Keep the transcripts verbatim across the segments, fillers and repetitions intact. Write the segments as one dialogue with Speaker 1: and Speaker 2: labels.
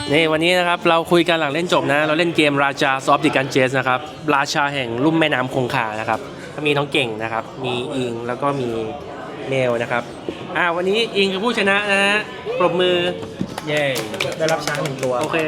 Speaker 1: นี่วันนี้นะครับเราคุยกันหลังเล่นจบนะเราเล่นเกมราชาซอฟต์ดิกันเจสนะครับราชาแห่งลุ่มแม่น้ำคงคานะครับก็มีน้องเก่งนะครับมีอิงแล้วก็มีเมลนะครับอ่าวันนี้อิงคือผู้ชนะนะฮะปรบมือเย้
Speaker 2: ได้รับช้างหนึ่งตัว
Speaker 1: โอเค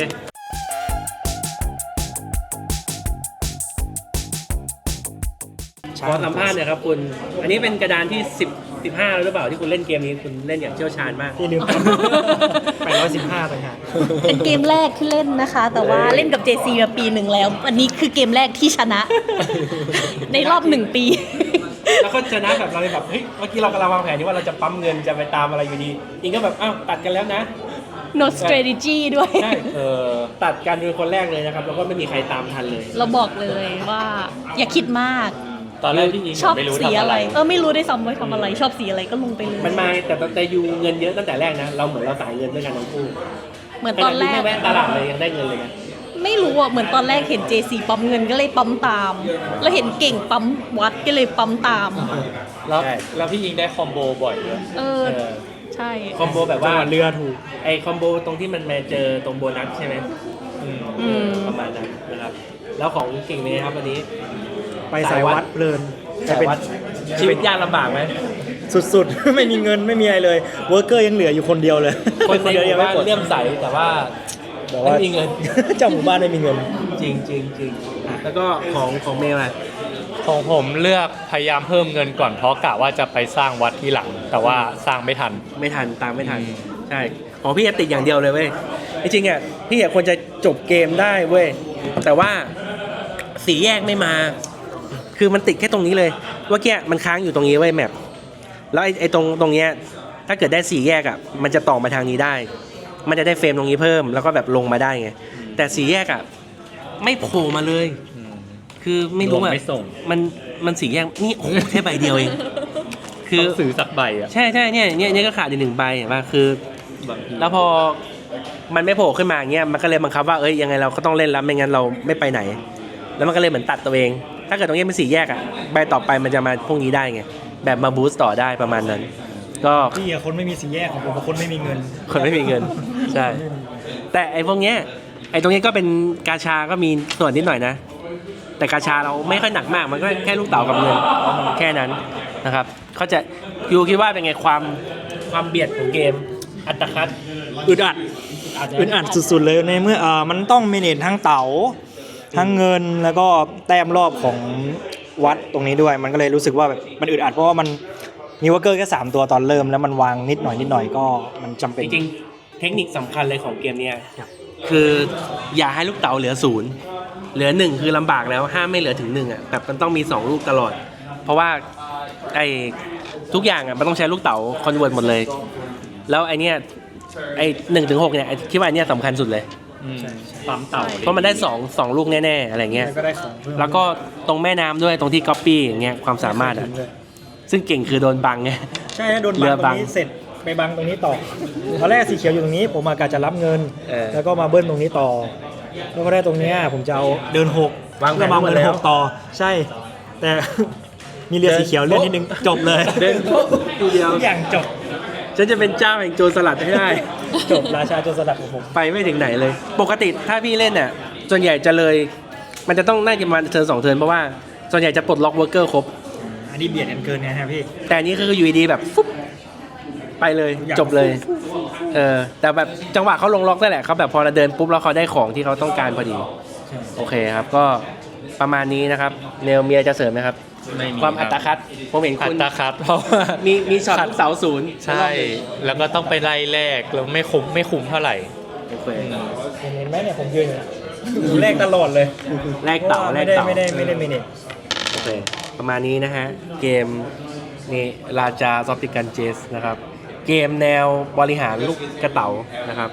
Speaker 1: ขอสัมภาษณ์หน่อยครับคุณอันนี้เป็นกระดานที่สิบ สิบห้าแล้วหรือเปล่าที่คุณเล่นเกมนี้คุณเล่นอย่างเชี่ยวชาญมาก
Speaker 2: ที่ลืมแปดร้อยสิบห้าต่างหาก
Speaker 3: เป็นเกมแรกที่เล่นนะคะแต่ว่าเล่นกับ เจ ซี มาปีหนึ่งแล้วอันนี้คือเกมแรกที่ชนะในรอบหนึ่งปี
Speaker 1: แล้วก็ชนะแบบเราแบบเฮ้ยเมื่อกี้เรากำลังวางแผนที่ว่าเราจะปั๊มเงินจะไปตามอะไรอยู่ดีอิงก็แบบอ้าวตัดกันแล้วนะ
Speaker 3: no strategy ด้วย
Speaker 1: ใช่เออตัดกันเป็นคนแรกเลยนะครับแล้วก็ไม่มีใครตามทันเลย
Speaker 3: เราบอกเลยว่าอย่าคิดมาก
Speaker 1: ตอนแรกที่อิง
Speaker 3: ชอบสีอะไรเออไม่รู้ได้ซ้ำว่าทำอะไรชอบสีอะไรก็ลงไปเลย
Speaker 1: มันมาแต่แต่ยูเงินเยอะตั้งแต่แรกนะเราเหมือนเราสายเงินด้วยกันทั้งคู่
Speaker 3: เหมือนตอนแรก
Speaker 1: ไม่แวะตลาดเลยยังได้เงินเลยนะ
Speaker 3: ไม่รู้อ่ะเหมือนตอนแรกเห็น เจ ซี ปั๊มเงินก็เลยปั๊มตามแล้วเห็นเก่งปั๊มวัดก็เลยปั๊มตาม
Speaker 4: แล้วแล้วพี่อิงได้คอมโบบ่อยเลย
Speaker 3: เออใช่
Speaker 1: คอมโบแบบว่า
Speaker 2: เรือถูก
Speaker 1: ไอคอมโบตรงที่มันมาเจอตรงโบนัสใช่ไหม
Speaker 3: อืม
Speaker 1: ประมาณนั้นนะครับแล้วของเก่งเลยครับวันนี้
Speaker 2: ไปสายวัดเพลิน
Speaker 1: สายวัดชีวิตยากลำบากไหม
Speaker 2: สุดๆไม่มีเงินไม่มีอะไรเลยเวิร์กเกอร์ยังเหลืออยู่คนเดียวเลย
Speaker 1: คนในหมู่บ้านเลื่อมใสแต่ว่าไม่มีเงิน
Speaker 2: เจ้าหมู่บ้านไม่มีเงิน
Speaker 1: จริงจริงจริงแล้วก็ของของเมลอะ
Speaker 4: ของผมเลือกพยายามเพิ่มเงินก่อนเพราะกะว่าจะไปสร้างวัดที่หลังแต่ว่าสร้างไม่ทัน
Speaker 1: ไม่ทันตามไม่ทันใช่ของพี่ติดอย่างเดียวเลยเว้ยจริงๆอ่ะพี่อยากควรจะจบเกมได้เว้ยแต่ว่าสีแยกไม่มาคือมันติดแค่ตรงนี้เลยว่าแกมันค้างอยู่ตรงนี้เว้ยแมปแล้วไอ้ไอ้ตรงตรงเนี้ยถ้าเกิดได้สีแยกอ่ะมันจะต่อมาทางนี้ได้มันจะได้เฟรมตรงนี้เพิ่มแล้วก็แบบลงมาได้ไงแต่สีแยกอ่ะไม่โผล่มาเลยคือไม่รู้อ่ะมันมันสีแยกนี่โอ้แค่ใบเดียวเอง
Speaker 4: คือสื่อสักใบอ่ะ
Speaker 1: ใช่ใช่เนี่ยเนี่ยเนี่ยก็ขาดอีกหนึ่งใบเห็นป่ะคือแล้วพอมันไม่โผล่ขึ้นมาอย่างเงี้ยมันก็เลยบังคับว่าเอ้ยยังไงเราก็ต้องเล่นแล้วไม่งั้นเราไม่ไปไหนแล้วมันก็เลยเหมือนตัดตัวเองถ้าเกิดตรงนี้เป็นสีแยกอ่ะใบต่อไปมันจะมาพวกนี้ได้ไงแบบมาบูสต์ต่อได้ประมาณนั้นก็
Speaker 2: พี่อะคนไม่มีสีแยกของผมคนไม่มีเงิน
Speaker 1: คนไม่มีเงินใช่แต่ไอ้พวกเนี้ยไอ้ตรงนี้ก็เป็นกาชาก็มีส่วนนิดหน่อยนะแต่กาชาเราไม่ค่อยหนักมากมันก็แค่ลูกเต๋ากับเงินแค่นั้นนะครับเขาจะยูคิดว่าเป็นไงความความเบียดของเกมอัตคัด
Speaker 2: อึดอัดอึดอัดสุดๆเลยในเมื่อเอ่อมันต้องเมเนจทั้งเต๋าทั้งเงินแล้วก็แต้มรอบของวัดตรงนี้ด้วยมันก็เลยรู้สึกว่าแบบมันอึดอัดเพราะว่ามันมีวอร์เกอร์แค่สามตัวตอนเริ่มแล้วมันวางนิดหน่อยนิดหน่อยก็มันจำเป็น
Speaker 1: จริงๆเทคนิคสำคัญเลยของเกมนี้คืออย่าให้ลูกเต๋าเหลือศูนย์เหลือหนึ่งคือลำบากแล้วห้ามไม่เหลือถึงหนึ่งอ่ะแบบมันต้องมีสองลูกตลอดเพราะว่าไอ้ทุกอย่างอ่ะมันต้องใช้ลูกเต๋าคอนเวิร์ตหมดเลยแล้วไอ้นี่ไอ้หนึ่งถึงหกเนี่ยคิดว่าไอ้นี่สำคัญสุดเลย
Speaker 4: ปั๊มเต่า
Speaker 1: เพราะมันได้สอง สองลูกแน่ๆอะไรเงี้ยแล้วก็ตรงแม่น้ำด้วยตรงที่ก๊อปปี้อย่างเงี้ยความสามารถอ่ะซึ่งเก่งคือโดนบังไง
Speaker 2: ใช่โดนบังตรงนี้เสร็จไปบังตรงนี้ต่อตอนแรกสีเขียวอยู่ตรงนี้ผมอากาศจะรับเงินแล้วก็มาเบิ้ลตรงนี้ต่อแล้วก็ได้ตรงนี้ผมจะเอาเดินหก
Speaker 1: วางแผน
Speaker 2: มาเดินหกต่อใช่แต่มีเรือสีเขียวเล่นนิดนึงจบเลย
Speaker 1: เดินทีเดียว
Speaker 2: ทุกอย่างจบ
Speaker 1: ฉันจะเป็นเจ้าแห่งโจรสลัดให้ได้
Speaker 2: จบราชาโจรสลัดของผม
Speaker 1: ไปไม่ถึงไหนเลยปกติถ้าพี่เล่นเนี่ยส่วนใหญ่จะเลยมันจะต้องน่าจะมาเทิร์นสองเทิร์นเพราะว่าส่วนใหญ่จะปลดล็อกเวิร์กเกอร์ครบ
Speaker 2: อันนี้เบียดกันเกินไงครับพี่
Speaker 1: แต่อันนี้คืออยู่ดีแบบฟุ๊บไปเลยจบเลยเออแต่แบบจังหวะเขาลงล็อกได้แหละเขาแบบพอเราเดินปุ๊บแล้วเขาได้ของที่เขาต้องการพอดีโอเคครับก็ประมาณนี้นะครับเนลเมียจะเสริมไหมครับความอัตคัดผมเห็นคุณ
Speaker 4: อัตคัดเพราะ
Speaker 1: มีมีช็อตลูกเสาศูนย์
Speaker 4: ใช่แล้วก็ต้องไปไล่แรกแล้วไม่คุ้มไม่คุ้มเท่าไหร่
Speaker 1: โอเค
Speaker 2: เห็นไหมเนี่ยผมยืนอยู่แรกตลอดเลย
Speaker 1: แรกเต่าแรกเต่า
Speaker 2: ไม่ได้ไม่ได้ไม่ได้
Speaker 1: โอเคประมาณนี้นะฮะเกมนี่ราชาซอฟต์ดิกันเจสนะครับเกมแนวบริหารลูกกระเต๋านะครับ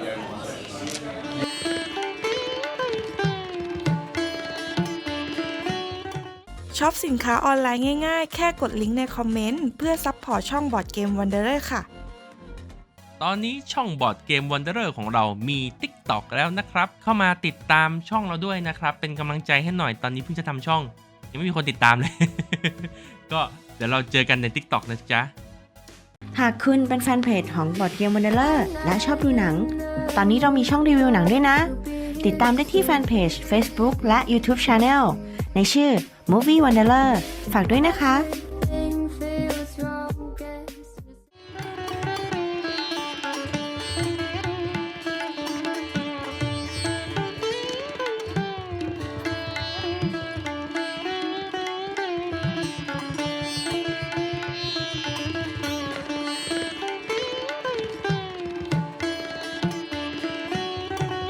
Speaker 5: ช็อปสินค้าออนไลน์ง่ายๆแค่กดลิงก์ในคอมเมนต์เพื่อซัพพอร์ตช่องบอร์ดเกมวันเดอร์ค่ะ
Speaker 6: ตอนนี้ช่องบอร์ดเกมวันเดอร์ของเรามี TikTok แล้วนะครับเข้ามาติดตามช่องเราด้วยนะครับเป็นกำลังใจให้หน่อยตอนนี้เพิ่งจะทำช่องยังไม่มีคนติดตามเลย ก็เดี๋ยวเราเจอกันใน TikTok นะจ๊ะ
Speaker 7: หากคุณเป็นแฟนเพจของ Board Game Wanderer และชอบดูหนัง ตอนนี้เรามีช่องรีวิวหนังด้วยนะ ติดตามได้ที่แฟนเพจ Facebook และ YouTube Channel ในชื่อ Movie Wanderer ฝากด้วยนะคะ